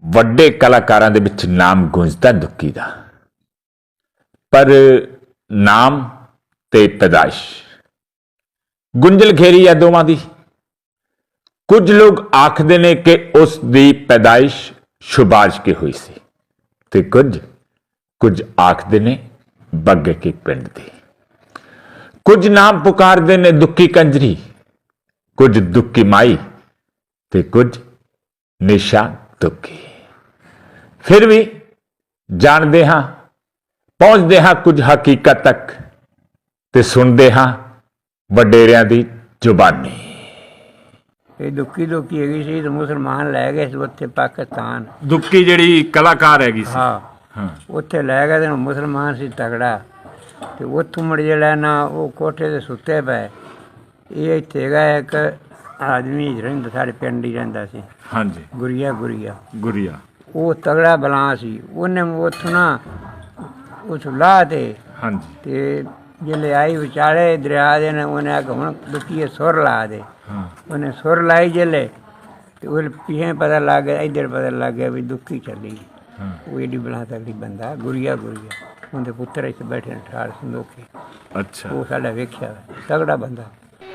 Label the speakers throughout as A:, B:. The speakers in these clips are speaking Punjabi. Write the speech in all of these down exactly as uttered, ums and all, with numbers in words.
A: ਵੱਡੇ ਕਲਾਕਾਰਾਂ ਦੇ ਵਿੱਚ ਨਾਮ ਗੂੰਜਦਾ ਦੁੱਕੀ ਦਾ, ਪਰ ਨਾਮ ਤੇ ਪੈਦਾਇਸ਼ ਗੁੰਝਲ ਘੇਰੀ ਹੈ ਦੋਵਾਂ ਦੀ। ਕੁਝ ਲੋਕ ਆਖਦੇ ਨੇ ਕਿ ਉਸ ਦੀ ਪੈਦਾਇਸ਼ ਸ਼ੁਬਾਜ ਕੇ ਹੋਈ ਸੀ ਤੇ ਕੁਝ ਕੁਝ ਆਖਦੇ ਨੇ ਬੱਗੇ ਕੇ ਪਿੰਡ ਦੀ। ਕੁਝ ਨਾਮ ਪੁਕਾਰਦੇ ਨੇ ਦੁੱਕੀ ਕੰਜਰੀ, ਕੁਝ ਦੁੱਕੀ ਮਾਈ ਤੇ ਕੁਝ ਨਿਸ਼ਾ ਦੁੱਕੀ। ਫਿਰ ਵੀ ਜਾਣਦੇ ਹਾਂ, ਪਹੁੰਚਦੇ ਹਾਂ ਕੁਝ ਹਕੀਕਤ ਤੱਕ ਤੇ ਸੁਣਦੇ ਹਾਂ ਵਡੇਰਿਆਂ ਦੀ ਜ਼ੁਬਾਨੀ।
B: ਇਹ ਦੁੱਕੀ ਦੁੱਕੀ ਹੈਗੀ ਸੀ ਤੇ ਮੁਸਲਮਾਨ ਲੈ ਗਏ ਸੀ ਉੱਥੇ ਪਾਕਿਸਤਾਨ।
A: ਦੁੱਕੀ ਜਿਹੜੀ ਕਲਾਕਾਰ ਹੈਗੀ ਸੀ,
B: ਹਾਂ
A: ਹਾਂ,
B: ਉੱਥੇ ਲੈ ਗਏ ਤੇ ਮੁਸਲਮਾਨ ਸੀ ਤਗੜਾ, ਤੇ ਉੱਥੋਂ ਮੁੜ ਜਿਹੜਾ ਨਾ ਉਹ ਕੋਠੇ ਤੇ ਸੁੱਤੇ ਪਏ। ਇਹ ਇੱਥੇ ਹੈਗਾ ਇੱਕ ਆਦਮੀ ਰਹਿੰਦਾ ਸਾਡੇ ਪਿੰਡ ਹੀ ਰਹਿੰਦਾ ਸੀ,
A: ਹਾਂਜੀ,
B: ਗੁਰੀਆ ਗੁਰੀਆ
A: ਗੁਰੀਆ।
B: ਉਹ ਤਗੜਾ ਬਲਾਂ ਸੀ। ਉਹਨੇ ਉੱਥੋਂ ਨਾ ਉੱਥੋਂ ਲਾਹ ਤੇ
A: ਹਾਂਜੀ,
B: ਤੇ ਜਿਹੜੇ ਆਈ ਵਿਚਾਲੇ ਦਰਿਆ ਦੇ ਨੇ, ਉਹਨੇ ਆਖ ਹੁਣ ਦੁੱਕੀਏ ਸੁਰ ਲਾ ਦੇ।
A: ਹਾਂ,
B: ਉਹਨੇ ਸੁਰ ਲਾਈ ਜਿਹੜੇ ਤੇ ਉਹ ਪਿਛੇ ਪਤਾ ਲੱਗ ਗਿਆ, ਇੱਧਰ ਪਤਾ ਲੱਗ ਗਿਆ ਵੀ ਦੁੱਕੀ ਚੱਲੀ।
A: ਹਾਂ,
B: ਉਹ ਏਡੀ ਬਲਾ ਤਗੜੀ ਬੰਦਾ ਗੁਰੀਆ ਗੁਰੀਆ। ਉਹਦੇ ਪੁੱਤਰ ਇੱਥੇ ਬੈਠੇ ਨੇ ਠਾਰ ਸੰਦੋਖੇ।
A: ਅੱਛਾ,
B: ਉਹ ਸਾਡਾ ਵੇਖਿਆ ਤਗੜਾ ਬੰਦਾ।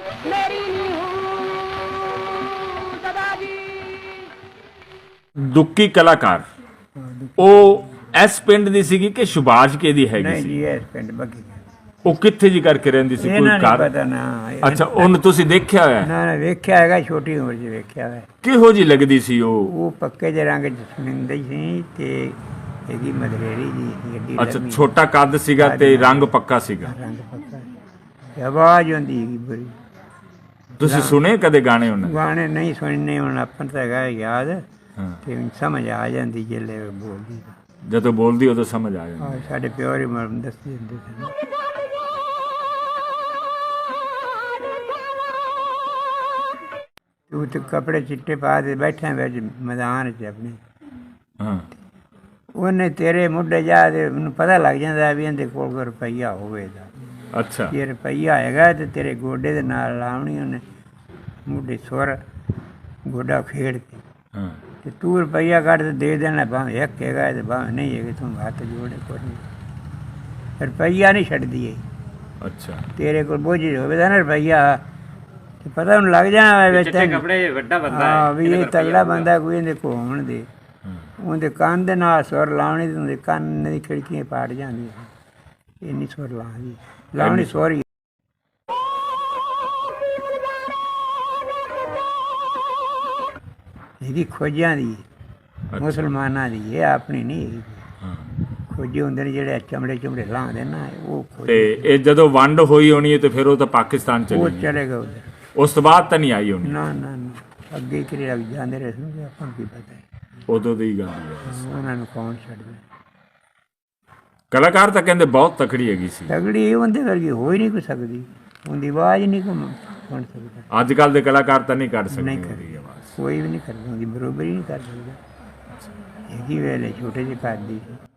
A: ਦੁੱਕੀ ਕਲਾਕਾਰ ਉਹ ਇਸ ਪਿੰਡ ਦੀ ਸੀਗੀ ਕਿ ਸ਼ੁਬਾਜ ਕੇ ਦੀ ਹੈਗੀ
B: ਨਹੀਂ
A: ਸੀ?
B: ਜੀ, ਇਸ ਪਿੰਡ ਬੱਗੀ
A: ਉਹ ਕਿੱਥੇ ਜੀ ਕਰਕੇ ਰਹਿੰਦੀ ਸੀ? ਕੋਈ
B: ਇਹਨਾਂ
A: ਘਰ?
B: ਨਹੀਂ ਪਤਾ ਨਾ।
A: ਅੱਛਾ, ਉਹਨੂੰ ਤੁਸੀਂ ਦੇਖਿਆ ਹੋਇਆ?
B: ਨਾ ਨਾ ਵੇਖਿਆ ਹੈਗਾ, ਛੋਟੀ ਉਮਰ 'ਚ ਵੇਖਿਆ ਹੋਇਆ।
A: ਕਿਹੋ ਜੀ ਲੱਗਦੀ ਸੀ ਉਹ?
B: ਉਹ ਪੱਕੇ ਜਿਹੇ ਰੰਗ 'ਚ ਸੁਣਿੰਦੀ ਸੀ ਤੇ ਇਹਦੀ ਮਦਰੇਰੀ ਜੀ ਸੀ, ਗੱਡੀ
A: ਅੱਛਾ, ਛੋਟਾ ਕੱਦ ਸੀਗਾ ਤੇ ਰੰਗ ਪੱਕਾ ਸੀਗਾ।
B: ਰੰਗ ਪੱਕਾ ਤੇ ਆਵਾਜ਼ ਹੁੰਦੀ ਹੈਗੀ ਬੜੀ।
A: ਤੁਸੀਂ ਸੁਣੇ ਕਦੇ ਗਾਣੇ ਉਹਨਾਂ ਦੇ?
B: ਗਾਣੇ ਨਹੀਂ ਸੁਣਨੇ ਹੁਣ, ਆਪਾਂ ਨੂੰ ਤਾਂ ਹੈਗਾ ਯਾਦ
A: ਹਾਂ,
B: ਤੇ ਸਮਝ ਆ ਜਾਂਦੀ ਜਿਹੜੇ ਬੋਲਦੀ।
A: ਜਦੋਂ ਬੋਲਦੀ ਉਦੋਂ ਸਮਝ ਆ ਜਾਂਦੀ।
B: ਆਹ ਸਾਡੇ ਪਿਓ ਹੀ ਮਰਮ ਦੱਸਦੇ ਹੁੰਦੇ ਸੀ। ਤੂੰ ਤੇ ਕੱਪੜੇ ਚਿੱਟੇ ਪਾ ਕੇ ਬੈਠਾ ਵਿੱਚ ਮੈਦਾਨ 'ਚ ਆਪਣੇ।
A: ਹਾਂ,
B: ਉਹਨੇ ਤੇਰੇ ਮੁੱਢੇ ਜਾ ਤੇ ਉਹਨੂੰ ਪਤਾ ਲੱਗ ਜਾਂਦਾ ਵੀ ਇਹਦੇ ਕੋਲ ਕੋਈ ਰੁਪਈਆ ਹੋਵੇਗਾ।
A: ਅੱਛਾ,
B: ਜੇ ਰੁਪਈਆ ਹੈਗਾ ਤੇ ਤੇਰੇ ਗੋਡੇ ਦੇ ਨਾਲ ਲਾਉਣੀ ਉਹਨੇ ਮੁੱਢੇ ਸੁਰ ਗੋਡਾ ਖੇਡ ਕੇ।
A: ਹਾਂ,
B: ਤੇ ਤੂੰ ਰੁਪਈਆ ਕੱਢ ਤੇ ਦੇ ਦੇਣਾ, ਭਾਵੇਂ ਇੱਕ ਹੈਗਾ ਤੇ ਭਾਵੇਂ ਨਹੀਂ ਹੈਗਾ, ਤੂੰ ਹੱਥ ਜੋੜੇ ਕੋਈ ਨਹੀਂ। ਰੁਪਈਆ ਨਹੀਂ ਛੱਡਦੀ ਹੈ।
A: ਅੱਛਾ,
B: ਤੇਰੇ ਕੋਲ ਬੋਝ ਹੋਵੇਗਾ ਨਾ ਰੁਪਈਆ ਤੇ ਪਤਾ ਉਹਨੂੰ ਲੱਗ ਜਾਣਾ ਵਿੱਚ
C: ਕੱਪੜੇ ਵੱਡਾ ਬੰਦਾ
B: ਹਾਂ ਵੀ ਇਹ ਤਗੜਾ ਬੰਦਾ, ਕੋਈ ਇਹਦੇ ਕੋਲ ਹੋਣ ਦੇ। ਉਹਦੇ ਕੰਨ ਦੇ ਨਾਲ ਸੁਰ ਲਾਉਣੀ ਤੇ ਉਹਦੇ ਕੰਨ ਦੀ ਖਿੜਕੀਆਂ ਪਾੜ ਜਾਂਦੀਆਂ। ਇੰਨੀ ਸੁਰ ਲਾਉਣੀ ਲਾਉਣੀ ਸੋਰੀ। ਇਹਦੀ ਖੋਜਾਂ ਦੀ, ਮੁਸਲਮਾਨਾਂ ਦੀ, ਇਹ ਆਪਣੀ ਨਹੀਂ ਹੈਗੀ।
A: ਹਾਂ,
B: ਖੋਜੇ ਹੁੰਦੇ ਨੇ ਜਿਹੜੇ ਚਮੜੇ ਚਮੜੇ ਲਾਉਂਦੇ ਨਾ, ਉਹ ਖੋਜ।
A: ਤੇ ਇਹ ਜਦੋਂ ਵੰਡ ਹੋਈ ਹੋਣੀ ਹੈ ਤੇ ਫਿਰ ਉਹ ਤਾਂ ਪਾਕਿਸਤਾਨ
B: ਉਹ
A: ਚਲੀ ਗਈ।
B: ਚਲੇ ਗਏ ਉਧਰ।
A: ਉਸ ਤੋਂ ਬਾਅਦ ਤਾਂ ਨਹੀਂ ਆਈ ਹੋਣੀ?
B: ਨਾ ਨਾ ਨਾ, ਅੱਗੇ ਕਿਰੇ ਲੱਗ ਜਾਂਦੇ ਰਹੇ ਸੁਣਦੇ, ਆਪਾਂ ਨੂੰ ਕੀ ਪਤਾ ਹੈ।
A: ਉਦੋਂ ਦੀ ਗੱਲ ਹੈ।
B: ਉਹਨਾਂ ਨੂੰ ਕੌਣ ਛੱਡਦਾ।
A: ਕਲਾਕਾਰ ਤਾਂ ਕਹਿੰਦੇ ਬਹੁਤ ਤਕੜੀ ਹੈਗੀ ਸੀ।
B: ਤਗੜੀ ਉਹਦੇ ਵਰਗੀ ਹੋ ਹੀ ਨਹੀਂ ਕੋਈ ਸਕਦੀ। ਉਹਦੀ ਆਵਾਜ਼ ਨਹੀਂ ਕੋਈ ਸੁਣ ਸਕਦਾ।
A: ਅੱਜ ਕੱਲ ਦੇ ਕਲਾਕਾਰ ਤਾਂ ਨਹੀਂ ਕੱਢ ਸਕਦੇ
B: ਨਹੀਂ
A: ਉਹਦੀ
B: ਕਰਦੀ
A: ਆਵਾਜ਼।
B: ਕੋਈ ਵੀ ਨਹੀਂ ਕਰਦਾ, ਉਹਦੀ ਬਰੋਬਰੀ ਨਹੀਂ ਕਰ ਸਕਦਾ। ਹੈਗੀ ਵੇਲੇ ਛੋਟੇ ਜਿਹੇ ਕਰਦੀ ਸੀ।